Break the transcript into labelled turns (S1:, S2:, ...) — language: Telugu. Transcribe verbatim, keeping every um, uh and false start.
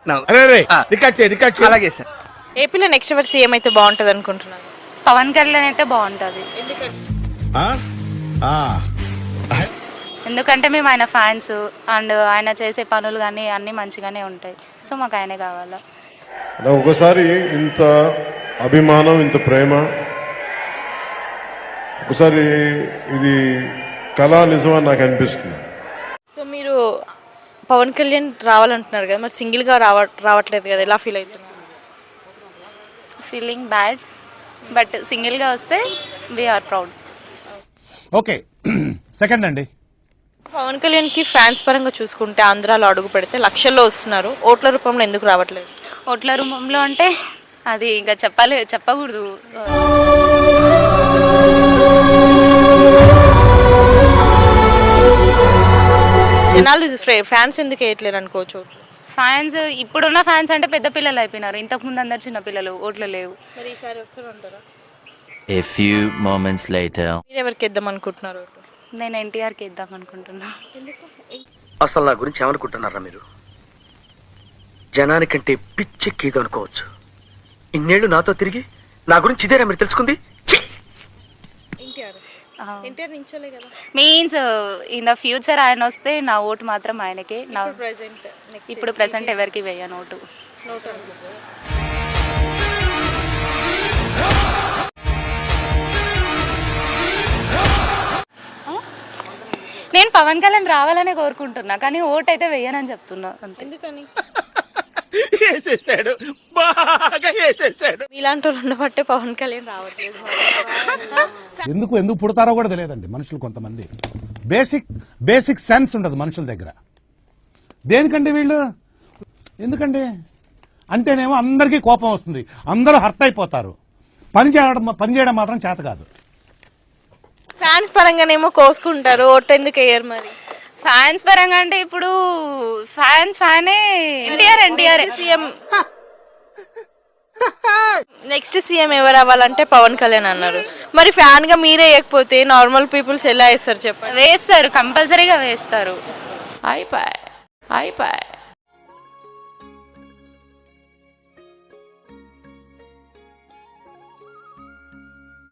S1: అలాగే సార్.
S2: ఏపీలో నెక్స్ట్ ఎవరు సీఎం అయితే బాగుంటది అనుకుంటున్నాను?
S3: పవన్ కళ్యాణ్ అయితే బాగుంటుంది. ఎందుకంటే మేము ఆయన ఫ్యాన్స్ అండ్ ఆయన చేసే పనులు కానీ అన్నీ మంచిగానే ఉంటాయి. సో మాకు ఆయనే కావాలా.
S4: ఒకసారి ఇంత అభిమానం, ఇంత ప్రేమ, ఒకసారి ఇది కళా నిజమని నాకు అనిపిస్తుంది.
S2: సో మీరు పవన్ కళ్యాణ్ రావాలంటున్నారు కదా, మరి సింగిల్గా రావ రావట్లేదు కదా, ఎలా ఫీల్ అవుతున్నారు?
S3: ఫీలింగ్ బ్యాడ్, బట్ సింగిల్గా వస్తే వీఆర్ ప్రౌడ్.
S5: ఓకే, సెకండ్ అండి.
S2: పవన్ కళ్యాణ్కి ఫ్యాన్స్ పరంగా చూసుకుంటే ఆంధ్రాలో అడుగు పెడితే లక్షల్లో వస్తున్నారు, ఓట్ల రూపంలో ఎందుకు రావట్లేదు?
S3: ఓట్ల రూపంలో అంటే అది ఇంకా చెప్పాలి చెప్పకూడదు.
S2: జనాలు ఫ్యాన్స్ ఎందుకు వేయట్లేరు అనుకోవచ్చు?
S3: ఫ్యాన్స్ ఇప్పుడున్న ఫ్యాన్స్ అంటే పెద్ద పిల్లలు అయిపోయినారు. ఇంతకుముందు అందరు చిన్న పిల్లలు, ఓట్లు లేవు.
S2: మరి ఈసారి వస్తారంటారా?
S6: A few moments later.
S2: మీరు ఎవరికి ఇద్దాం అనుకుంటున్నారు?
S3: నేను ఎన్టీఆర్కి ఇద్దాం అనుకుంటున్నా.
S1: అసలు నా గురించి ఏమనుకుంటున్నారా మీరు? జనానికంటే పిచ్చెక్కేదో అనుకోవచ్చు. ఇన్నేళ్ళు నాతో తిరిగి నా గురించి ఇదేనా మీరు తెలుసుకుంది?
S3: మీన్స్ ఇన్ ద ఫ్యూచర్ ఆయన వస్తే నా ఓటు మాత్రం ఆయనకే. నా ఇప్పుడు ప్రెసెంట్ ఎవరికి వేయను ఓటు. నేను పవన్ కళ్యాణ్ రావాలనే కోరుకుంటున్నా, కానీ ఓటు అయితే వేయనని చెప్తున్నా అంతే.
S2: ఎందుకని?
S1: వేసేసాడు, బాగా వేసేసాడు.
S2: ఇలాంటి వాళ్ళు ఉండబట్టే పవన్ కళ్యాణ్ రావట్లేదు.
S5: ఎందుకు ఎందుకు పుడతారో కూడా తెలియదండి మనుషులు. కొంతమంది బేసిక్ బేసిక్ సెన్స్ ఉండదు మనుషుల దగ్గర. దేనికండి వీళ్ళు? ఎందుకండి అంటేనేమో అందరికీ కోపం వస్తుంది, అందరూ హర్ట్ అయిపోతారు. పని చేయడం పని చేయడం మాత్రం చేత కాదు.
S2: ఫ్యాన్స్ పరంగానేమో కోసుకుంటారు, ఓటు ఎందుకు వేయరు మరి?
S3: ఫ్యాన్స్ పరంగా అంటే ఇప్పుడు ఫ్యాన్ ఫ్యానే NTR NTR
S2: CM. Next CM ఎవరు అవ్వాలంటే పవన్ కళ్యాణ్ అన్నారు. మరి ఫ్యాన్ గా మీరే వేయకపోతే నార్మల్ పీపుల్స్ ఎలా వేస్తారు చెప్పండి?
S3: వేస్తారు, కంపల్సరీగా వేస్తారు. అయిపోయి అయిపోయి